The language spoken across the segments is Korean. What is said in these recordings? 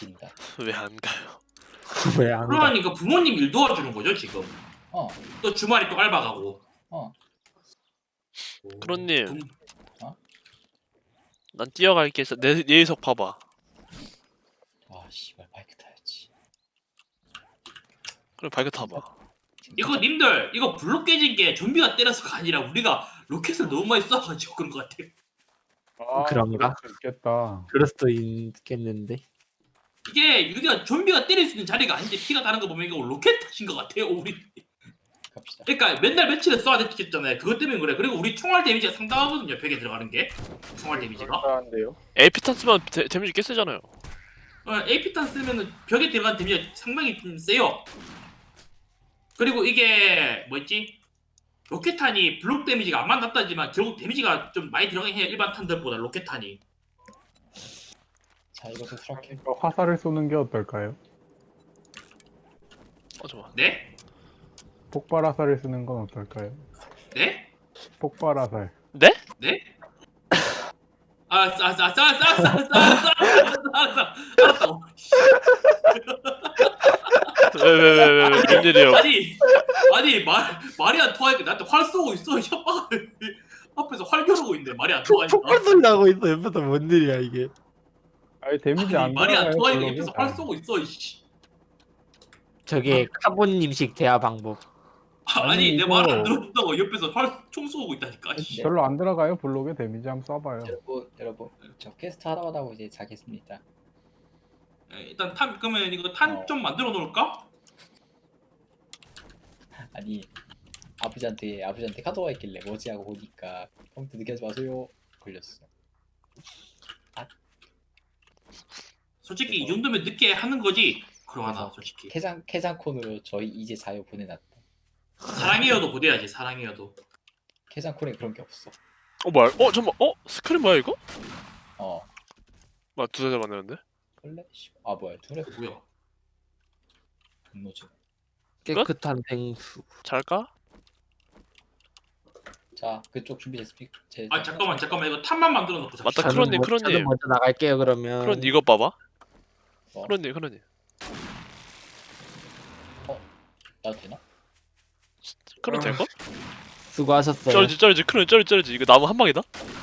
시킨다. 왜 안 가요? 왜 안 가? 그러니까 부모님 일 도와주는 거죠 지금. 어, 또 주말에 또 알바 가고. 어. 크론님. 부- 난 뛰어갈게. 내 예의석 봐봐. 아, 씨발 바이크 타야지. 그럼 바이크 타봐. 이거 님들 이거 블록 깨진 게 좀비가 때려서가 아니라 우리가 로켓을 너무 많이 쏴가지고 그런 것 같아요. 아, 그런가? 그럴 수 있겠다. 그럴 수도 있겠는데. 이게 우리가 좀비가 때릴 수 있는 자리가 아닌데 피가 다른 거 보면 이거 로켓 탓인 것 같아요 우리. 갑시다. 그러니까 맨날 며칠을 쏴야 됐겠잖아요. 그것 때문에 그래. 그리고 우리 총알 데미지가 상당하거든요. 벽에 들어가는 게 총알 데미지가. 한데요. 에이피탄 쓰면 데미지 꽤 세잖아요. AP탄 쓰면은 벽에 들어간 데미지가 상당히 좀 세요. 그리고 이게 뭐였지? 로켓탄이 블록 데미지가 안 맞았다지만 결국 데미지가 좀 많이 들어가긴 해요. 일반 탄들보다 로켓탄이. 자, 이것을 수락해. 그러니까 화살을 쏘는 게 어떨까요? 잠깐. 네? 폭발 화살을 쓰는 건 어떨까요? 네? 폭발 화살. 네? 네? 알았다고. 왜 무슨 일이에요? 아니 말이 안 통하니까 나한테 활 쏘고 있어. 협박을 앞에서 활 겨루고 있네. 말이 안 통하니까. 폭발 소리 나고 있어. 옆에서 뭔 일이야 이게? 아니 데미지 아니, 안 말이 안 들어가요, 통하니까 블록이? 옆에서 활 쏘고 있어. 이씨. 저게 카본님식 대화 방법. 아니 내 이거- 말 안 들어준다고 옆에서 총 쏘고 있다니까. 씨. 별로 안 들어가요 블록에 데미지 한번 쏴봐요. 여러분, 저 퀘스트 하다 하고 이제 자겠습니다. 일단 탄 그러면 이거 탄 좀 만들어 놓을까? 아니, 아버지한테 카드가 있길래 뭐지 하고 보니까 컴퓨터 늦게 하지 마세요. 걸렸어. 솔직히 이 정도면 늦게 하는 거지. 그러하나 솔직히. 캐장콘으로 저희 이제 자유 보내놨다. 사랑해요도 보내야지. 사랑해요도. 캐장콘에 그런 게 없어. 뭐야? 잠깐만. 스크린 뭐야 이거? 어, 뭐야 두 대를 만드는데? 플래시. 아, 뭐야, 둘의 뭐야? 분노지. 깨끗한 생수. 잘까? 자, 그쪽 준비됐습니까? 아 잠깐만 이거 탄만 만들어 놓고 잡시다. 맞다. 크론님. 저는 먼저 나갈게요 그러면. 크론 이거 봐봐. 어, 크론님. 나도 되나? 크론 될 거? 수고하셨어요. 쩔지. 크론 쩔지. 이거 나무 한 방이다.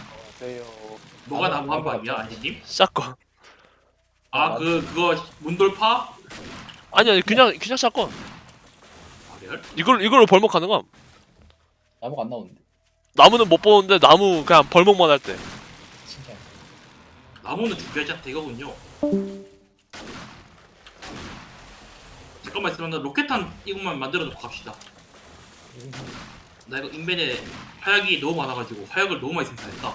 뭐가 나무 한 방이야, 아니님? 샷건. 그거 문돌파? 아니 그냥 샷건. 아, 이걸로 벌목 가능함. 나무가 안 나오는데. 나무는 못 보는데 나무 그냥 벌목만 할 때. 진짜. 나무는 준비하지 않다 이거군요. 잠깐만 있으면 나 로켓탄 이것만 만들어 놓고 갑시다. 나 이거 인벤에 화약이 너무 많아가지고 화약을 너무 많이 생산했다.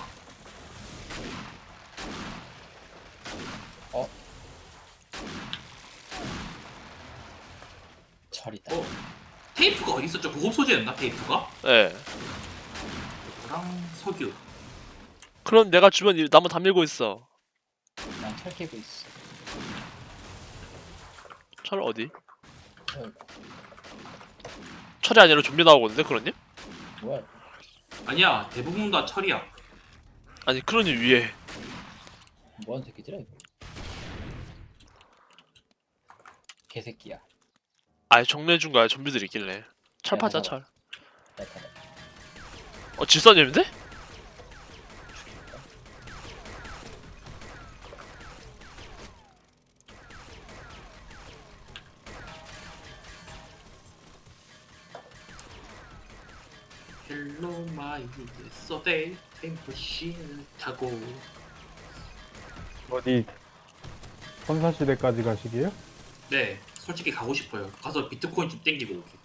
철이다. 테이프가 어디 있었죠? 고급 소재였나 테이프가? 예. 그랑 석유. 크론 내가 주변 나무 다 밀고 있어. 난 철 캐고 있어. 철 어디? 어, 철이 아니라 좀비 나오거든요, 크론님? 뭐야? 아니야 대부분 다 철이야. 아니 크론님 위에. 뭐하는 새끼들아 이거? 개새끼야. 아예 정리해준 거야 좀비들 있길래. 철 야, 파자 잠깐만. 철. 잠깐만. 질서님인데? 헬로 마이 소데이 템플신을 타고. 어디 선사시대까지 가시게요? 네 솔직히 가고 싶어요. 가서 비트코인 좀 땡기고 오게.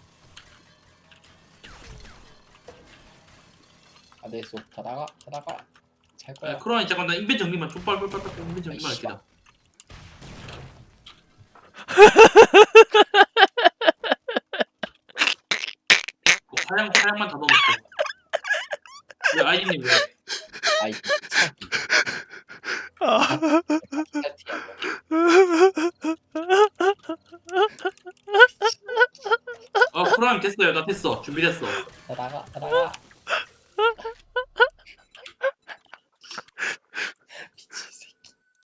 네, 가다가 잘 거야. 그러니 잠깐 나 인벤 정리만 좀 빨빨 인벤 정리만 아이씨. 할게다. 화양만 다 넣어놓고. 왜 아이님 왜? 아이 차기. 그럼 됐어요. 나 됐어. 준비됐어. 가다가